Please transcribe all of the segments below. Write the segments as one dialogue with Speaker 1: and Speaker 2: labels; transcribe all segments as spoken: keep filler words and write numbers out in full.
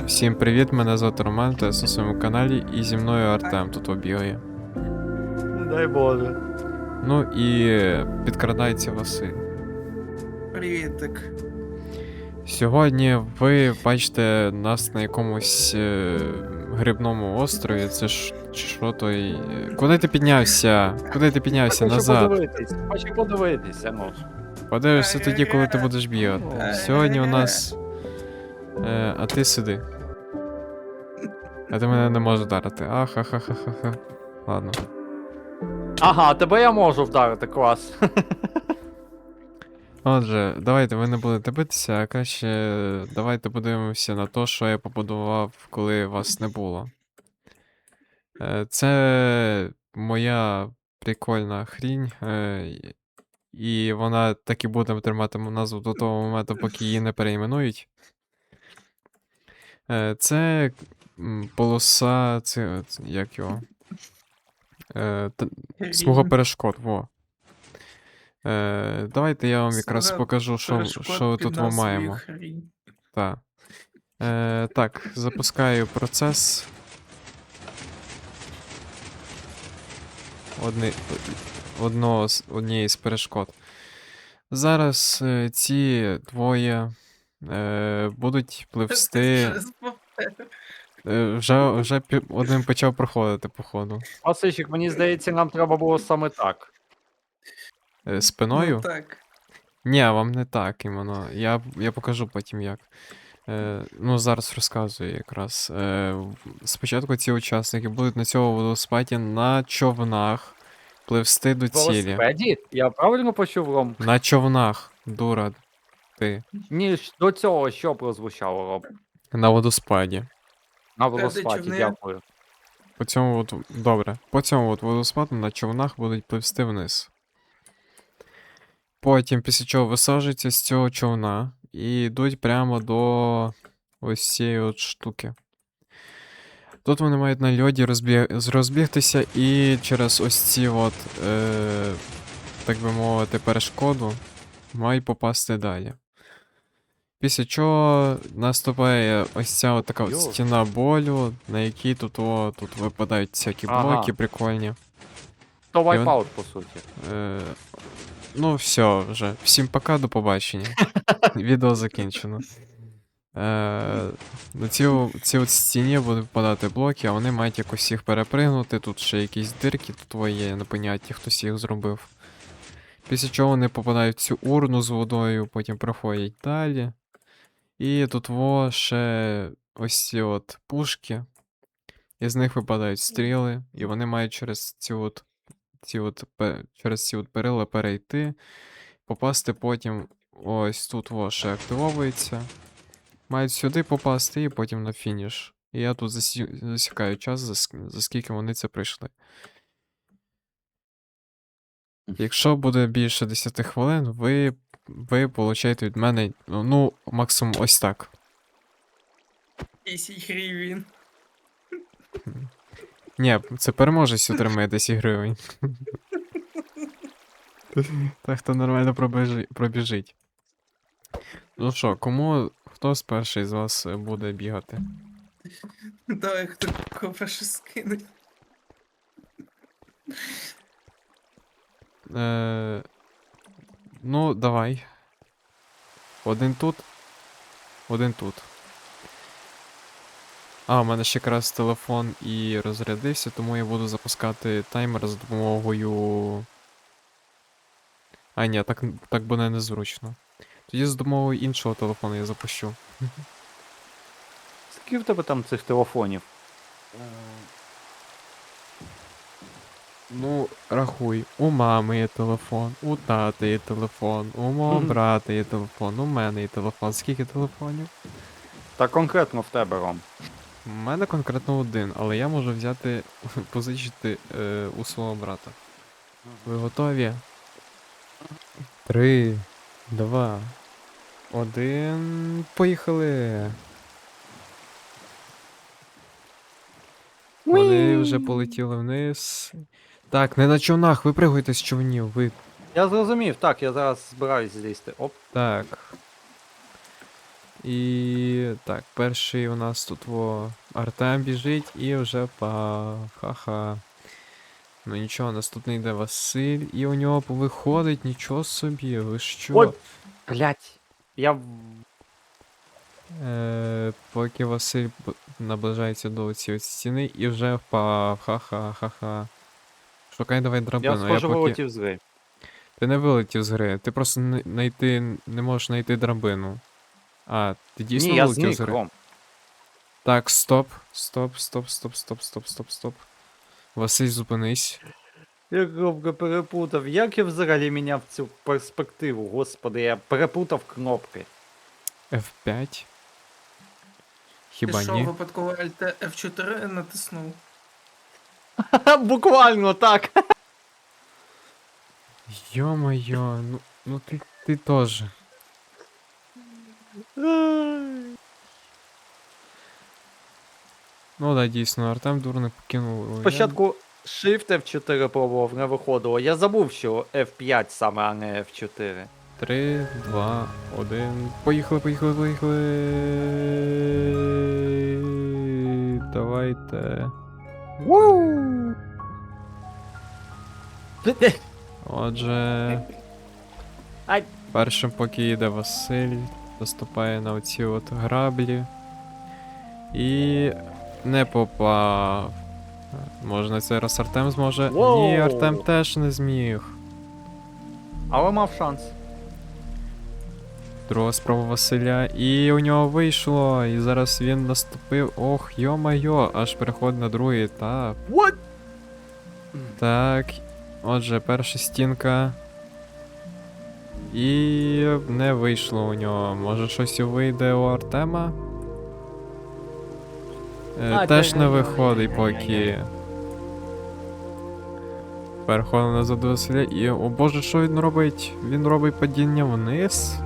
Speaker 1: Всім привіт, мене звати Роман, та я на своєму каналі, і зі мною Артем тут обігає.
Speaker 2: Не дай Боже.
Speaker 1: Ну і підкрадається Василь.
Speaker 3: Привітик.
Speaker 1: Сьогодні ви бачите нас на якомусь е, грибному острові. Це ж чи що той. Куди ти піднявся? Куди ти піднявся?
Speaker 2: Хочу
Speaker 1: Назад.
Speaker 2: подивитись. Хочу подивитися, ну.
Speaker 1: Подивишся тоді, коли ти будеш бігати. Сьогодні у нас. Е, а ти сиди. А ти мене не можеш вдарити. Ахахахаха. Ладно.
Speaker 2: Ага, тебе я можу вдарити, клас.
Speaker 1: Отже, давайте ви не будете битися, а краще давайте подивимося на те, що я побудував, коли вас не було. Е, Це моя прикольна хрінь, е, і вона так і буде тримати назву до того моменту, поки її не перейменують. Е, Це м, полоса, це, це як його? Е, т- Смуга перешкод, во. Е, Давайте я вам якраз
Speaker 3: Смуга
Speaker 1: покажу, що,
Speaker 3: перешкод
Speaker 1: що
Speaker 3: під
Speaker 1: тут ми
Speaker 3: назвою
Speaker 1: маємо.
Speaker 3: Хрінь.
Speaker 1: Так. Е, так, запускаю процес. Одни, одного з, однієї з перешкод. Зараз е, ці двоє е, будуть пливсти.
Speaker 3: Щось повторю.
Speaker 1: Е, вже вже пі- один почав проходити, походу.
Speaker 2: Васильчик, мені здається, нам треба було саме так.
Speaker 1: Е, спиною?
Speaker 3: Ну так.
Speaker 1: Ні, вам не так іменно. Я, я покажу потім як. Е, ну, зараз розказую якраз. Е, в- спочатку ці учасники будуть на цьому водоспаді на човнах пливсти до
Speaker 2: В
Speaker 1: цілі.
Speaker 2: велосипеді? Я правильно почув, Ром?
Speaker 1: На човнах, дура, ти.
Speaker 2: Ні, ж- до цього що прозвучало, Ром?
Speaker 1: На водоспаді.
Speaker 2: На велосипеді,
Speaker 3: човни?
Speaker 2: дякую.
Speaker 1: По цьому от, добре. По цьому от водоспаду на човнах будуть пливсти вниз. Потім, після чого висаджуються з цього човна і йдуть прямо до ось цієї от штуки. Тут вони мають на льоді розбіг... розбігтися і через ось ці от, е... так би мовити, перешкоду мають попасти далі. Після чого наступає ось ця от така от
Speaker 2: Йо.
Speaker 1: стіна болю, на якій тут, о, тут випадають всякі
Speaker 2: Ага.
Speaker 1: блоки прикольні.
Speaker 2: То
Speaker 1: І он-
Speaker 2: вайпаут, по суті.
Speaker 1: Е... Ну, все вже. Всім пока, до побачення. Відео закінчено. Е, на цій, цій от стіні будуть випадати блоки, а вони мають якось їх перепригнути. Тут ще якісь дирки, тут є непонятні, хтось їх зробив. Після чого вони попадають в цю урну з водою, потім проходять далі. І тут во ще ось ці от пушки. Із них випадають стріли, і вони мають через ці от, ці от, пе- через ці от перила перейти, попасти потім ось тут во ще активовується. Мають сюди попасти і потім на фініш. І я тут засі... засікаю час, за, ск- за скільки вони це прийшли. Якщо буде більше десять хвилин, ви, ви получаєте від мене, ну, ну, максимум ось так.
Speaker 3: десять гривень.
Speaker 1: Ні, це переможець отримає десять гривень. Так хто нормально пробіжи... пробіжить. Ну що, кому, хто з перший з вас е, буде бігати?
Speaker 3: Давай, хто кого перше скине.
Speaker 1: Е... Ну, давай. Один тут. Один тут. А, у мене ще якраз телефон і розрядився, тому я буду запускати таймер за допомогою. А, ні, так, так буде незручно. Тоді за допомогою іншого телефону я запущу.
Speaker 2: Скільки в тебе там цих телефонів?
Speaker 1: Ну, рахуй, у мами є телефон, у тати є телефон, у мого
Speaker 2: Мгм.
Speaker 1: брата є телефон, у мене є телефон. Скільки телефонів?
Speaker 2: Та конкретно в тебе, Ром.
Speaker 1: У мене конкретно один, але я можу взяти, позичити е, у свого брата. Ви готові? Три, два, один. Поїхали! Вони вже полетіли вниз. Так, не на човнах, випригуйте з човнів, ви.
Speaker 2: Я зрозумів, так, я зараз збираюсь злізти. Оп.
Speaker 1: Так. І так, перший у нас тут во Артем біжить і вже па. Ха-ха. Ну нічого, наступний йде Василь, і у нього виходить, нічого собі, ви що?
Speaker 2: Ой! Блять. Я. в-
Speaker 1: Е, поки Василь б- наближається до цієї стіни і вже впав. Ха-ха-ха-ха. Шукай давай
Speaker 2: Я
Speaker 1: драбину. Я,
Speaker 2: схоже
Speaker 1: поки.
Speaker 2: вилетів з гри.
Speaker 1: Ти не вилетів з гри, ти просто не, найти, не можеш знайти драбину. А, ти дійсно
Speaker 2: Ні, я
Speaker 1: вилетів з
Speaker 2: зник,
Speaker 1: гри?
Speaker 2: Ром.
Speaker 1: Так, стоп, стоп, стоп, стоп, стоп, стоп, стоп, стоп. Василь, зупинись.
Speaker 2: Я громко перепутав. Як я взагалі міняв цю перспективу? Господи, я перепутав кнопки.
Speaker 1: еф п'ять. Хіба
Speaker 3: Ти що,
Speaker 1: ні?
Speaker 3: випадково Alt еф чотири натиснув?
Speaker 2: Буквально так.
Speaker 1: Йо-моє, ну, ну ти, ти теж. Ну да, дійсно, Артем дурник покинув. Я-
Speaker 2: Спочатку Shift еф чотири пробував, не виходило. Я забув, що еф п'ять саме, а не еф чотири.
Speaker 1: Три, два, один. Поїхали, поїхали, поїхали. Давайте. Отже,
Speaker 2: Ай.
Speaker 1: першим поки йде Василь, наступає на оці от граблі. І не попав. Може на цей раз Артем зможе? Ні,
Speaker 2: Воу.
Speaker 1: Артем теж не зміг.
Speaker 2: Але мав шанс.
Speaker 1: Друга спроба Василя, і у нього вийшло. І зараз він наступив. Ох, йо-майо, аж переходить на другий етап.
Speaker 2: What?
Speaker 1: Так. Отже, перша стінка. І не вийшло у нього. Може щось і вийде у Артема? Е,
Speaker 2: А,
Speaker 1: теж
Speaker 2: та-
Speaker 1: не виходить поки. Переходимо назад до Василя і. О боже, що він робить? Він робить падіння вниз.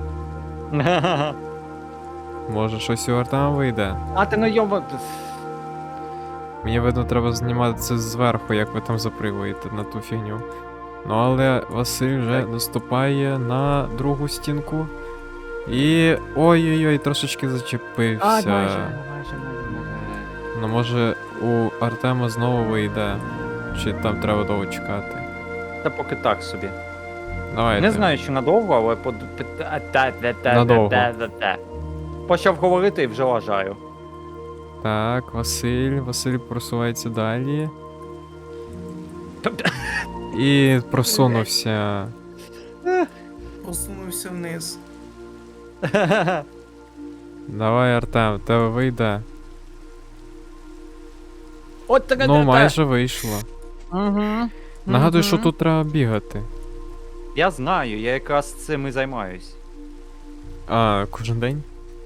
Speaker 1: Може щось у Артема вийде.
Speaker 2: А ти не йоба.
Speaker 1: Мені видно, треба знімати це зверху, як ви там запригуєте на ту фігню. Ну але Василь вже
Speaker 2: Так.
Speaker 1: наступає на другу стінку. І. Ой-ой-ой, трошечки зачепився.
Speaker 2: А, майже, майже, майже, майже.
Speaker 1: Ну може у Артема знову вийде. Чи там треба довго чекати.
Speaker 2: Та поки так собі.
Speaker 1: Давайте.
Speaker 2: Не знаю, чи надовго, але под... та- та- та- та-
Speaker 1: Надовго.
Speaker 2: та- та- та. Почав говорити і вже лажаю.
Speaker 1: Так, Василь, Василь просувається далі. І просунувся.
Speaker 3: Посунувся вниз.
Speaker 1: Давай, Артем, в тебе вийде.
Speaker 2: От така.
Speaker 1: Ну, майже вийшло.
Speaker 2: Угу.
Speaker 1: Нагадую, що тут треба бігати.
Speaker 2: Я знаю, я якраз цим і займаюсь.
Speaker 1: А, кожен день?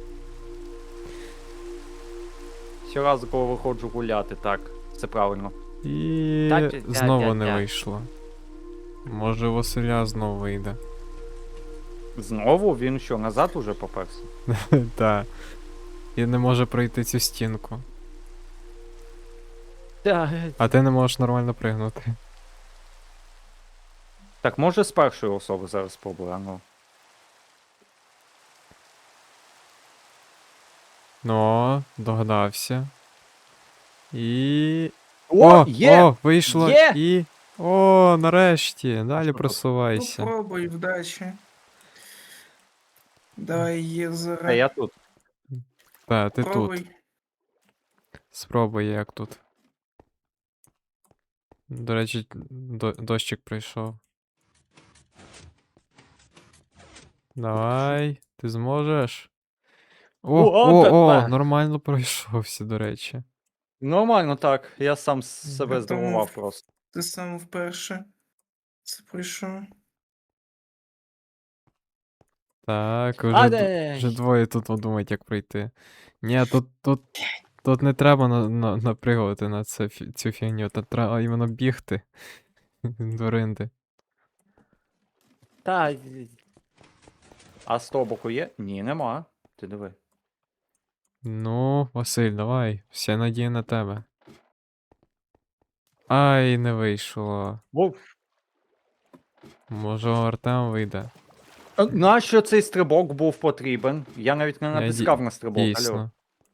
Speaker 2: Щоразу, коли виходжу гуляти, так, це правильно.
Speaker 1: І
Speaker 2: Та-та-та-та.
Speaker 1: знову не вийшло. Може, у Василя знову вийде.
Speaker 2: Знову він що, назад уже поперся?
Speaker 1: Так. І не може пройти цю стінку. А ти не можеш нормально пригнути.
Speaker 2: Так, може з першої особи зараз спробую, а ну.
Speaker 1: Ну, догадався. І.
Speaker 2: О, є!
Speaker 1: О, вийшло!
Speaker 2: Є!
Speaker 1: І. О, нарешті! Далі
Speaker 2: Що?
Speaker 1: просувайся.
Speaker 3: Попробуй, вдачі. Давай є
Speaker 2: А
Speaker 3: зараз.
Speaker 2: я тут.
Speaker 1: Та, ти тут.
Speaker 3: Пробуй.
Speaker 1: Спробуй, як тут. До речі, до- дощик прийшов. Давай, ти зможеш. О,
Speaker 2: О,
Speaker 1: о, о,
Speaker 2: тепер.
Speaker 1: нормально пройшовся, до речі.
Speaker 2: Нормально так, я сам с- себе
Speaker 3: Я
Speaker 2: здивував
Speaker 3: думав.
Speaker 2: просто.
Speaker 3: Ти сам вперше. Це пройшов.
Speaker 1: Так,
Speaker 2: А,
Speaker 1: вже, д-
Speaker 2: де?
Speaker 1: вже двоє тут подумають, як пройти. Ні, тут, тут, тут не треба на, на, напригувати на це, фі- цю фігню, тут треба іменно бігти. До ринди.
Speaker 2: Та. й- А з того боку є? Ні, нема. Ти диви.
Speaker 1: Ну, Василь, давай, вся надія на тебе. Ай, не вийшло.
Speaker 2: Вов.
Speaker 1: Може, у Артема вийде.
Speaker 2: А нащо цей стрибок був потрібен? Я навіть не
Speaker 1: Я ді-
Speaker 2: натискав на стрибок, алло.
Speaker 1: Дійсно.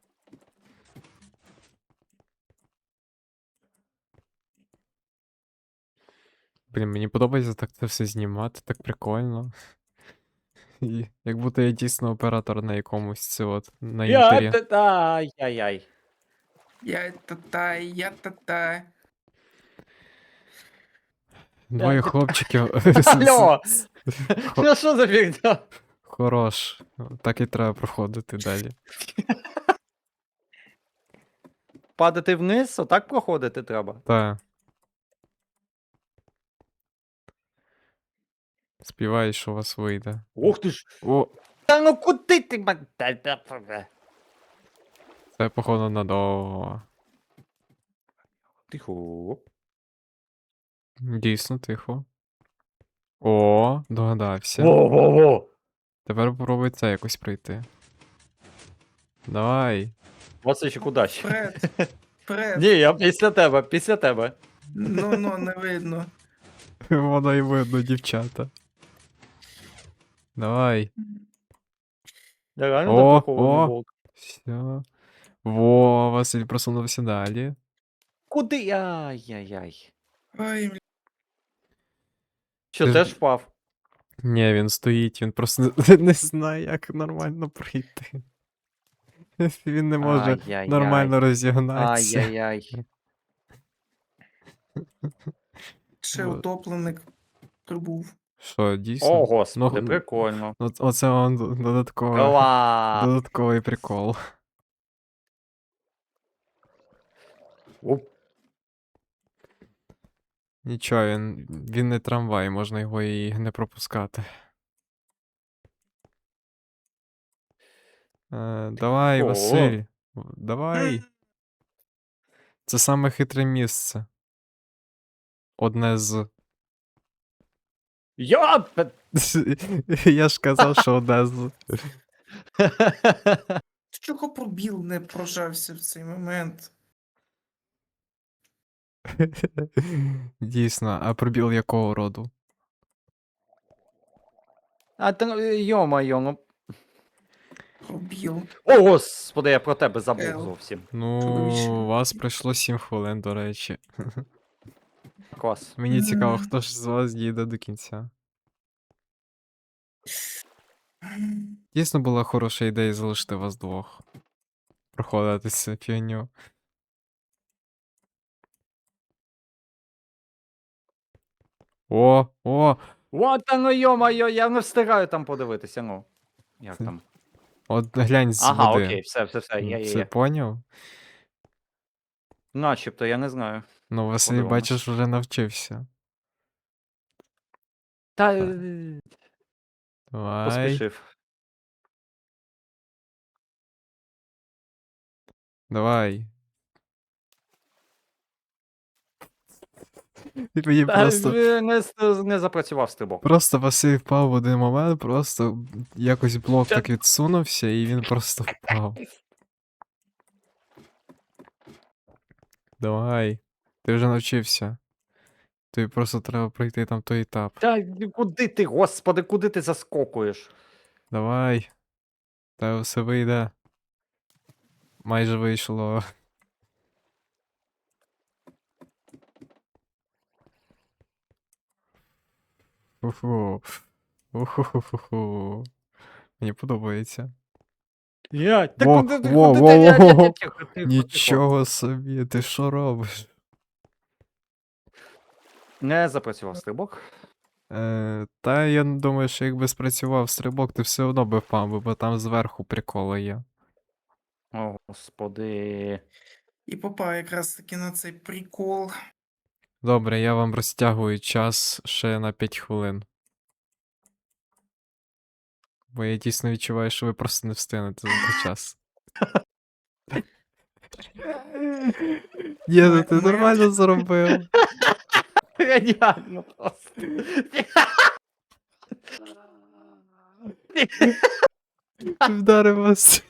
Speaker 1: Блін, мені подобається так це все знімати, так прикольно. І як будто я дійсно оператор на якомусь це от на
Speaker 2: Я
Speaker 1: інтері.
Speaker 2: та- та- Ай-яй-яй.
Speaker 3: Я та-та, я та-та.
Speaker 1: Двоє
Speaker 2: та-
Speaker 1: хлопчиків.
Speaker 2: Алло!
Speaker 1: Хо-
Speaker 2: Ну що за фігня?
Speaker 1: Хорош. Так і треба проходити далі.
Speaker 2: Падати вниз, отак проходити треба.
Speaker 1: Та. Співай, що у вас вийде.
Speaker 2: Ух ти ж.
Speaker 1: О,
Speaker 2: Та ну куди ти мене? Та- та- та- та.
Speaker 1: це походу надовго.
Speaker 2: Тихо.
Speaker 1: Дійсно, тихо. О, догадався.
Speaker 2: Во-во-во.
Speaker 1: Тепер попробуй це якось пройти. Давай.
Speaker 2: Васильчик, удачі.
Speaker 3: Вперед. Вперед.
Speaker 2: Ні, я після тебе, після тебе.
Speaker 3: Ну, ну, не видно.
Speaker 1: Воно й видно, дівчата. Давай.
Speaker 2: Я реально
Speaker 1: О,
Speaker 2: запакований
Speaker 1: о.
Speaker 2: волк.
Speaker 1: Все. Во, Василь просунувся далі.
Speaker 2: Куди? Ай-яй-яй.
Speaker 3: Ой, бля.
Speaker 2: Що,
Speaker 1: Ти ж-
Speaker 2: теж впав?
Speaker 1: Ні, він стоїть, він просто не, не знає, як нормально пройти. Він не може
Speaker 2: Ай-яй-яй.
Speaker 1: нормально розігнатися.
Speaker 2: Ай-яй-яй.
Speaker 3: Ще
Speaker 1: Вот.
Speaker 3: утопленик прибув.
Speaker 1: Що, дійсно?
Speaker 2: О, господи,
Speaker 1: Ну,
Speaker 2: прикольно.
Speaker 1: От, оце он додатковий,
Speaker 2: Клас.
Speaker 1: додатковий прикол.
Speaker 2: Оп.
Speaker 1: Нічого, він, він не трамвай, можна його і не пропускати. Е, давай,
Speaker 2: О.
Speaker 1: Василь. в- Давай. Це саме хитре місце. Одне з.
Speaker 2: Я... пе-
Speaker 1: Я ж казав, що одне з.
Speaker 3: Чого пробіл не прожався в цей момент?
Speaker 1: Дійсно, а пробіл якого роду?
Speaker 2: А ти, йо-моє, ну...
Speaker 3: Пробіл.
Speaker 2: О, господи, я про тебе забув
Speaker 3: Ел.
Speaker 2: зовсім.
Speaker 1: Ну,
Speaker 3: Чудовище.
Speaker 1: у вас пройшло сім хвилин, до речі.
Speaker 2: Клас.
Speaker 1: Мені цікаво,
Speaker 3: Мгм.
Speaker 1: хто ж з вас дійде до кінця. Дійсно була хороша ідея залишити вас двох. Проходити цю фігню. О, о!
Speaker 2: Вот оно, йо-моє, я не встигаю там подивитися, ну. Як там?
Speaker 1: От глянь з
Speaker 2: Ага,
Speaker 1: води.
Speaker 2: окей, все, все, все,
Speaker 1: Ну,
Speaker 2: є, є,
Speaker 1: Це
Speaker 2: є.
Speaker 1: поняв?
Speaker 2: Начебто, я не знаю.
Speaker 1: Ну, Василь,
Speaker 2: Подивимось.
Speaker 1: бачиш, вже навчився.
Speaker 2: Та
Speaker 1: Так.
Speaker 2: е,
Speaker 1: Давай.
Speaker 2: поспішив.
Speaker 1: Давай. І мені
Speaker 2: Та
Speaker 1: просто.
Speaker 2: е, не, с- не запрацював стрибок.
Speaker 1: Просто Василь впав в один момент, просто якось блок
Speaker 2: Та-
Speaker 1: так відсунувся, і він просто впав. Давай. Ти вже навчився. Тобі просто треба пройти там той етап.
Speaker 2: Та куди ти, господи, куди ти заскокуєш?
Speaker 1: Давай. Та все вийде. Майже вийшло. Уху. Уху. Мені подобається.
Speaker 2: Я, та
Speaker 1: Во,
Speaker 2: куди ти,
Speaker 1: во,
Speaker 2: куди
Speaker 1: во,
Speaker 2: ти? Я- я- я-
Speaker 1: во.
Speaker 2: тихо, тихо, тихо.
Speaker 1: Нічого собі, ти що робиш?
Speaker 2: Не запрацював стрибок.
Speaker 1: Е, та я думаю, що якби спрацював стрибок, ти все одно би впав, би, бо там зверху приколи є.
Speaker 2: О, господи.
Speaker 3: І попав якраз таки на цей прикол.
Speaker 1: Добре, я вам розтягую час ще на п'ять хвилин. Бо я дійсно відчуваю, що ви просто не встигнете за той час. Ні, ну ти
Speaker 3: Ми- ми-
Speaker 1: нормально зробив.
Speaker 2: Геніально просто.
Speaker 1: Ти вдарив вас.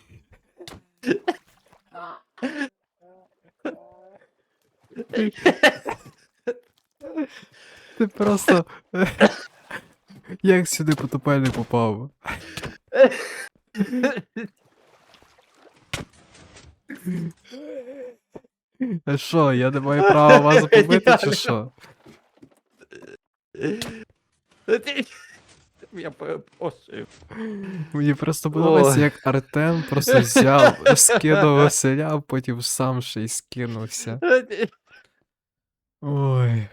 Speaker 1: Ти просто. Як сюди потопельник попав? А що, я не маю права вас побити, чи що?
Speaker 2: Я перепрошую.
Speaker 1: Мені просто подобається,
Speaker 2: Ой.
Speaker 1: як Артем просто взяв, скинув Василя, а потім сам ще й скинувся. Ой,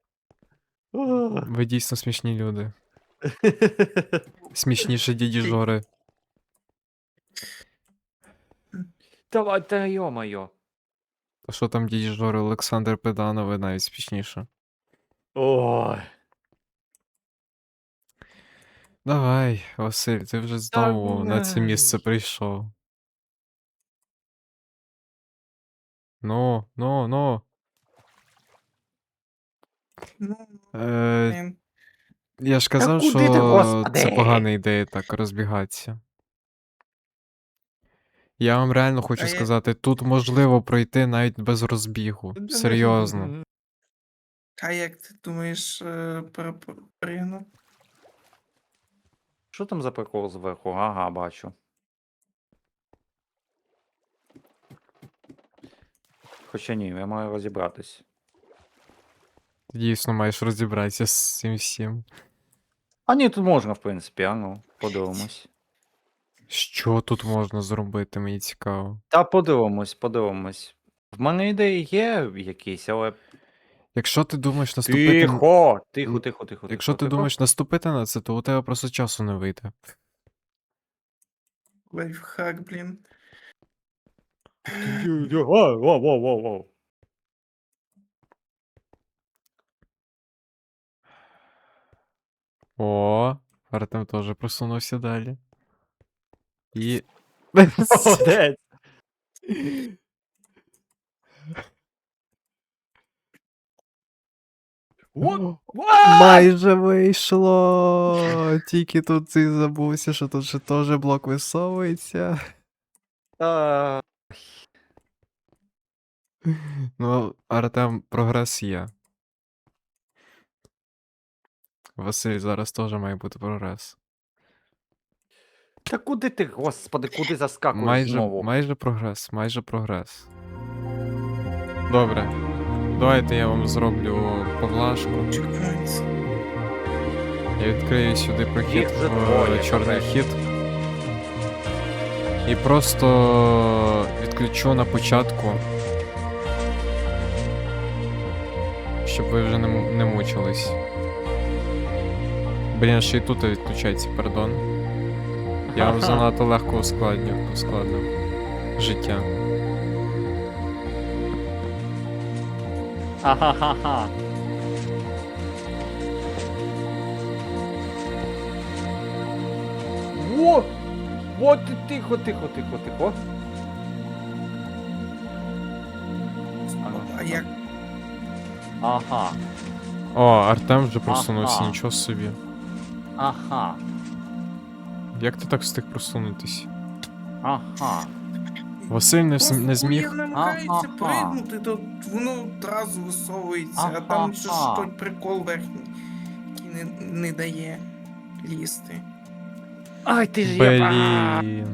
Speaker 1: ви дійсно смішні люди. Смішніше діді Жори.
Speaker 2: Давай, та йо-моє.
Speaker 1: А що там діді Жори, Олександр Педанов, навіть смішніше.
Speaker 2: Ой.
Speaker 1: Давай, Василь, ти вже знову на це місце
Speaker 2: блядь.
Speaker 1: прийшов. Ну, ну, ну.
Speaker 3: Ну,
Speaker 1: Е,
Speaker 3: блін.
Speaker 1: я ж казав,
Speaker 2: куди
Speaker 1: що
Speaker 2: ти,
Speaker 1: це
Speaker 2: господи?
Speaker 1: погана ідея так розбігатися. Я вам реально хочу
Speaker 3: А я-
Speaker 1: сказати, тут можливо пройти навіть без розбігу. Серйозно.
Speaker 3: А як ти думаєш, е, перепригну?
Speaker 2: Що там за прикол зверху? Ага, бачу. Хоча ні, я маю розібратись.
Speaker 1: Ти дійсно маєш розібратися з цим всім.
Speaker 2: А ні, тут можна, в принципі, а ну, подивимось.
Speaker 1: Що тут можна зробити, мені цікаво.
Speaker 2: Та подивимось, подивимось. В мене ідеї є якісь, але.
Speaker 1: Якщо ти думаєш наступити. н-
Speaker 2: Тихо! Тихо, тихо, тихо.
Speaker 1: Якщо
Speaker 2: тихо,
Speaker 1: ти
Speaker 2: тихо.
Speaker 1: думаєш наступити на це, то у тебе просто часу не вийде.
Speaker 3: Лайфхак, блін.
Speaker 2: Воу, воу, воу, воу, воу.
Speaker 1: О, Артем теж просунувся далі. І.
Speaker 2: Молодець! What? What?
Speaker 1: Майже вийшло. Тільки тут ти забувся, що тут ще теж блок висовується.
Speaker 2: А,
Speaker 1: Ну, Артем, прогрес є. Василь, зараз теж має бути прогрес.
Speaker 2: Та куди ти, господи, куди заскакуєш
Speaker 1: Майже,
Speaker 2: знову?
Speaker 1: майже прогрес, майже прогрес. Добре. Давайте я вам зроблю поглажку.
Speaker 3: Чекпоінт.
Speaker 1: Я відкрию сюди прохід
Speaker 2: Їх вже
Speaker 1: в
Speaker 2: двоє,
Speaker 1: е, чорний
Speaker 2: капець.
Speaker 1: хід. І просто відключу на початку. Щоб ви вже не, м- не мучились. Блін, ще й тут відключається, пардон. Я вам занадто легко ускладню, ускладнив життя.
Speaker 2: Ха-ха-ха-ха. Во! Во ти тихо, тихо, тихо, тихо. А ну,
Speaker 3: А
Speaker 2: що
Speaker 3: як?
Speaker 2: там? Ага,
Speaker 1: О, Артем вже просунувся,
Speaker 2: Ага.
Speaker 1: нічого собі.
Speaker 2: ага,
Speaker 1: Як ти так встиг просунутись?
Speaker 2: ага.
Speaker 1: Василь не, вс-
Speaker 3: Просто
Speaker 1: не зміг.
Speaker 3: кур'єр намагається
Speaker 2: Ага.
Speaker 3: пригнути, то воно одразу висовується, а
Speaker 2: Ага.
Speaker 3: там ще ж той прикол верхній, який не, не дає лізти.
Speaker 2: Ай, ти ж є.
Speaker 1: Блін.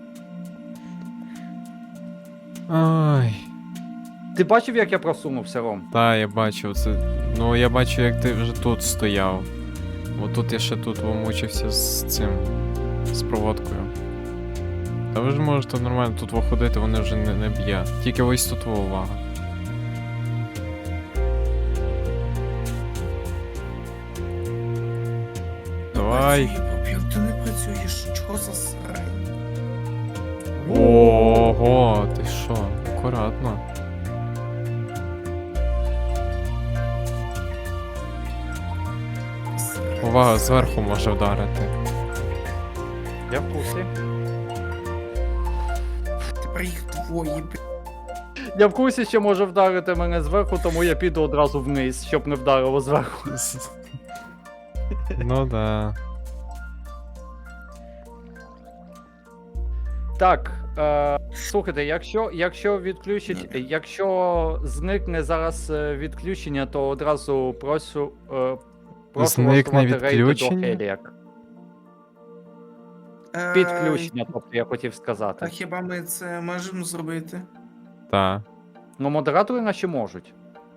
Speaker 1: Ай.
Speaker 2: Ти бачив, як я просунувся, Ром?
Speaker 1: Та, я бачив це. Ну, я бачу, як ти вже тут стояв. От тут я ще тут вимучився з цим. З проводкою. Та ви ж можете нормально тут виходити, вони вже не, не б'є. Тільки ось тут во, увага. Давай.
Speaker 3: Працює, Бобів, ти не працюєш, чого за срань?
Speaker 1: Ого, ти що? Акуратно.
Speaker 3: Срань,
Speaker 1: Увага,
Speaker 3: срань.
Speaker 1: зверху може вдарити.
Speaker 2: Я в курсі.
Speaker 3: Тепер їх двоє, блін.
Speaker 2: Я в курсі, що може вдарити мене зверху, тому я піду одразу вниз, щоб не вдарило зверху.
Speaker 1: Ну да.
Speaker 2: Так, е, слухайте, якщо, якщо відключить, якщо зникне зараз е, відключення, то одразу прошу, е, прошу
Speaker 1: Зникне
Speaker 2: влаштувати рейди до
Speaker 1: відключення?
Speaker 2: Хеліак.
Speaker 3: Е,
Speaker 2: Підключення, тобто я хотів
Speaker 3: А
Speaker 2: сказати.
Speaker 3: хіба ми це можемо зробити?
Speaker 1: Та.
Speaker 2: Ну, модератори наші можуть.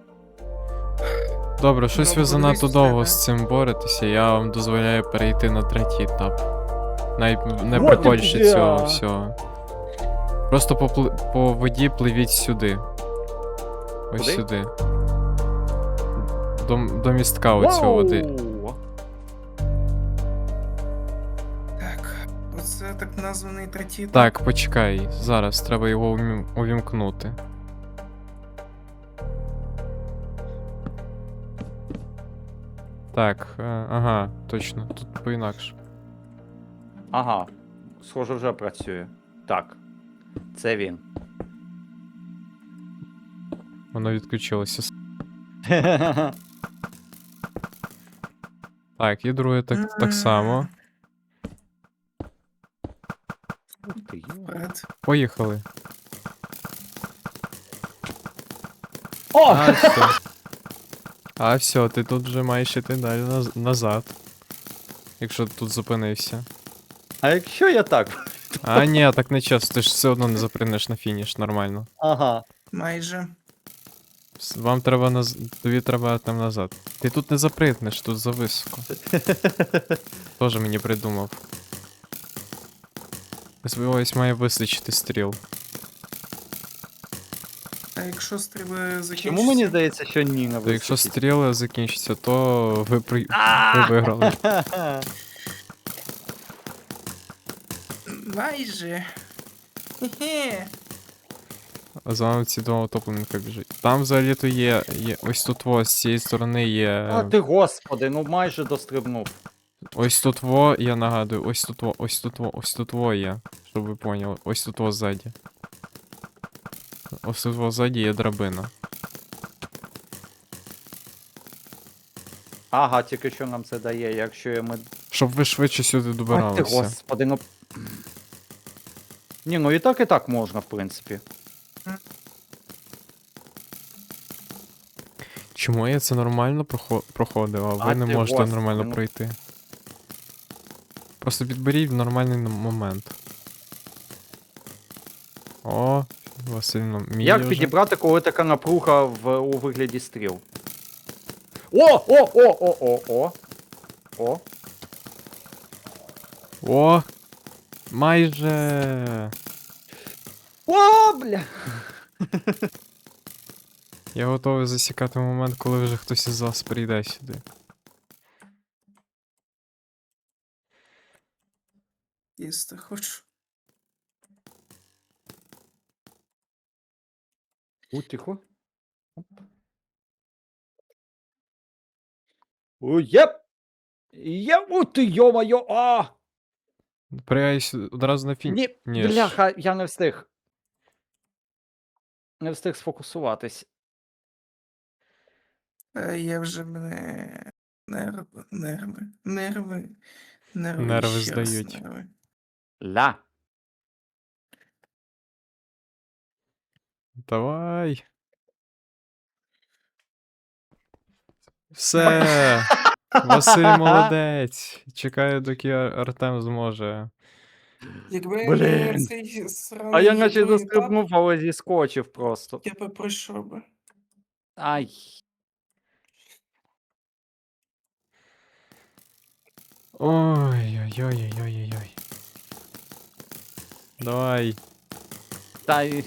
Speaker 1: Добре, щось
Speaker 3: Ну,
Speaker 1: ви занадто
Speaker 3: подивись в
Speaker 1: довго
Speaker 3: себе.
Speaker 1: з цим боретеся, я вам дозволяю перейти на третій етап. Навіть не
Speaker 2: Вот
Speaker 1: приходячи
Speaker 2: бля!
Speaker 1: цього всього. Просто по, пли- по воді пливіть сюди. Ось
Speaker 2: Куди?
Speaker 1: сюди. До, до містка оцього води.
Speaker 2: Вау!
Speaker 3: Так, оце так названий третій етап.
Speaker 1: Так, почекай, зараз треба його умі- увімкнути. Так, е, ага, точно, тут по-інакше.
Speaker 2: Ага. Схоже, вже працює. Так. Це він.
Speaker 1: Воно відключилося. с- Так, і друге так, так само.
Speaker 2: Ух ти, йо.
Speaker 3: Вперед.
Speaker 1: Поїхали.
Speaker 2: О!
Speaker 1: А, все. А, все, ти тут вже маєш іти далі наз- назад. Якщо ти тут зупинився.
Speaker 2: А якщо я так?
Speaker 1: А, ні, так не чесно, ти ж все одно не запринеш на фініш, нормально.
Speaker 2: Ага.
Speaker 3: Майже.
Speaker 1: С- Вам треба наз... Тобі треба там назад. Ти тут не запригнеш, тут зависоко. Тоже мені придумав. Ось ось має вистачити стріл.
Speaker 3: А якщо стріли закінчаться?
Speaker 2: Чому мені здається, що ні не
Speaker 1: То якщо
Speaker 2: вистачить?
Speaker 1: стріли закінчаться, то ви, при... ви виграли.
Speaker 3: Майже. Хе-хе.
Speaker 1: А за вами ці два утопленника біжать. Там взагалі-то є, є. Ось тут во, з цієї сторони є.
Speaker 2: А ти господи, ну майже дострибнув.
Speaker 1: Ось тут во, я нагадую, ось тут во, ось тут во, ось тут во є. Щоб ви поняли. Ось тут во ззаді. Ось тут во ззаді є драбина.
Speaker 2: Ага, тільки що нам це дає, якщо я ми.
Speaker 1: Щоб ви швидше сюди
Speaker 2: А ти
Speaker 1: добиралися.
Speaker 2: господи, ну. Ні, ну і так, і так можна, в принципі.
Speaker 1: Чому я це нормально прохо- проходив, а ви
Speaker 2: А
Speaker 1: не
Speaker 2: ти,
Speaker 1: можете
Speaker 2: господи,
Speaker 1: нормально
Speaker 2: ну.
Speaker 1: пройти? Просто підберіть в нормальний н- момент. О, Васильно, мій
Speaker 2: Як
Speaker 1: вже.
Speaker 2: підібрати, коли така напруга в, у вигляді стріл? О! О! О! О! О! О! О!
Speaker 1: О! Майже!
Speaker 2: О, бля!
Speaker 1: Я готовий засікати момент, коли вже хтось із вас прийде сюди.
Speaker 3: Їсти хочу.
Speaker 2: У, тихо. Оп. О, єп! Єп! У, ти, йо-моє! А!
Speaker 1: Пригай сюди одразу на фін.
Speaker 2: Ні,
Speaker 1: Ні ж.
Speaker 2: бляха, я не встиг. Не встиг сфокусуватись.
Speaker 3: Е, Я вже мене. Нерви, нерви, нерви, нерви.
Speaker 1: Нерви
Speaker 3: ще раз
Speaker 1: здають.
Speaker 3: нерви.
Speaker 2: Ля.
Speaker 1: Давай. Все. Василь молодець. Чекаю, доки Ар- Артем зможе.
Speaker 3: Якби
Speaker 2: Блін.
Speaker 3: не цей сраний
Speaker 2: А я наче
Speaker 3: другий
Speaker 2: застрибнув, але зіскочив просто.
Speaker 3: етап, я би пройшов би.
Speaker 2: Ай.
Speaker 1: Ой-ой-ой-ой-ой-ой. Давай.
Speaker 2: Та й...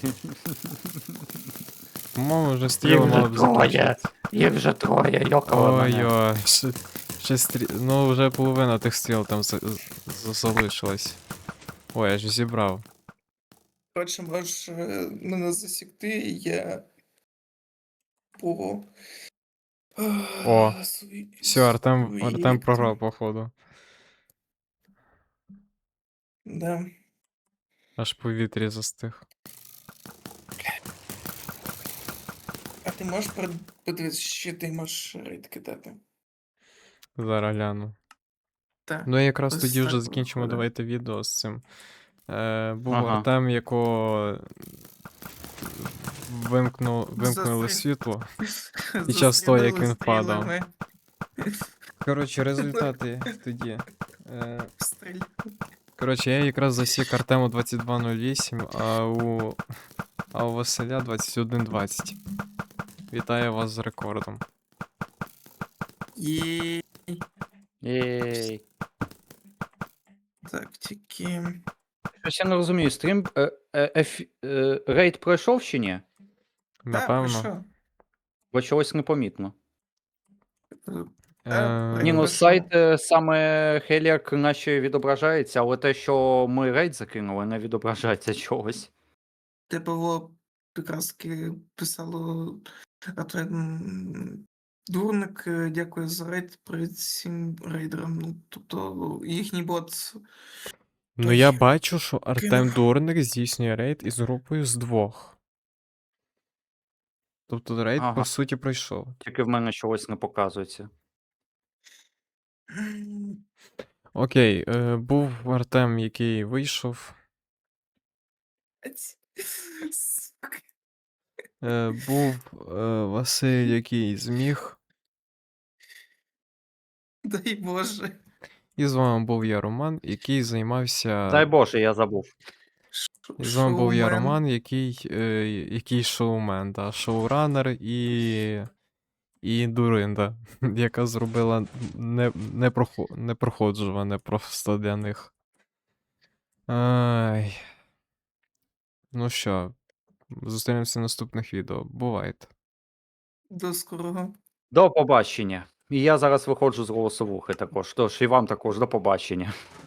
Speaker 1: По-моєму, вже стріли мали б закінчити.
Speaker 2: Їх вже троє, йокала мене.
Speaker 1: Ой-ой. Ще, ще стрі... Ну, вже половина тих стріл там за... за- залишилась. Ой, я ж зібрав.
Speaker 3: Коротше, можеш е, мене засікти, і я по.
Speaker 1: О,
Speaker 3: свої-
Speaker 1: Все, Артем,
Speaker 3: свої
Speaker 1: Артем
Speaker 3: там-
Speaker 1: програв, походу.
Speaker 3: Да.
Speaker 1: Аж в повітрі застиг.
Speaker 3: А ти можеш перед- подивитися, що ти можеш рейд кидати?
Speaker 1: Зараз гляну.
Speaker 3: Так.
Speaker 1: Ну і якраз
Speaker 3: Ось
Speaker 1: тоді вже
Speaker 3: так
Speaker 1: закінчимо
Speaker 3: виходить.
Speaker 1: давайте відео з цим. Е, був
Speaker 2: Ага.
Speaker 1: Артем, якого вимкну... вимкнули
Speaker 3: Застрі-
Speaker 1: світло. Під час того, як він
Speaker 3: Застрілили
Speaker 1: впадав.
Speaker 3: стрілами.
Speaker 1: Коротше, результати тоді. Е,
Speaker 3: Стріль.
Speaker 1: Коротше, я якраз засік Артему двадцять два нуль вісім, а у. А у Василя двадцять один двадцять. Вітаю вас з рекордом.
Speaker 3: Є.
Speaker 2: Єй.
Speaker 3: Так, тільки.
Speaker 2: Щось я не розумію, стрім. Е, е, еф, е, рейд пройшов чи ні?
Speaker 3: Та,
Speaker 1: Напевно.
Speaker 3: пройшов.
Speaker 2: Бо чогось непомітно.
Speaker 3: Та,
Speaker 1: Е,
Speaker 2: Ні, ну
Speaker 3: пройшов.
Speaker 2: сайт е, саме Хеліак наче відображається, але те, що ми рейд закинули, не відображається чогось.
Speaker 3: Де було якраз таки писало. А то м, дурник, е, дякую за рейд, привіт всім рейдерам. Ну, тобто їхній бот.
Speaker 1: Ну
Speaker 3: Той
Speaker 1: я бачу, що Артем
Speaker 3: кинув.
Speaker 1: Дурник здійснює рейд із групою з двох. Тобто рейд,
Speaker 2: Ага.
Speaker 1: по суті, пройшов.
Speaker 2: Тільки в мене чогось не показується.
Speaker 3: м,
Speaker 1: Окей, е, був Артем, який вийшов.
Speaker 3: аць, сука.
Speaker 1: Е, був е, Василь, який зміг.
Speaker 3: Дай Боже.
Speaker 1: І з вами був я, Роман, який займався.
Speaker 2: Дай Боже, я забув.
Speaker 3: Ш-
Speaker 1: І з вами був я,
Speaker 3: шоумен.
Speaker 1: Роман, який, е, який шоумен, да, шоуранер і. І Дуринда, яка зробила не, непрохо, непроходжуване просто для них. Ай. Ну що, зустрінемося в наступних відео. Бувайте.
Speaker 3: До скорого.
Speaker 2: До побачення. І я зараз виходжу з голосовухи також. Тож і вам також до побачення.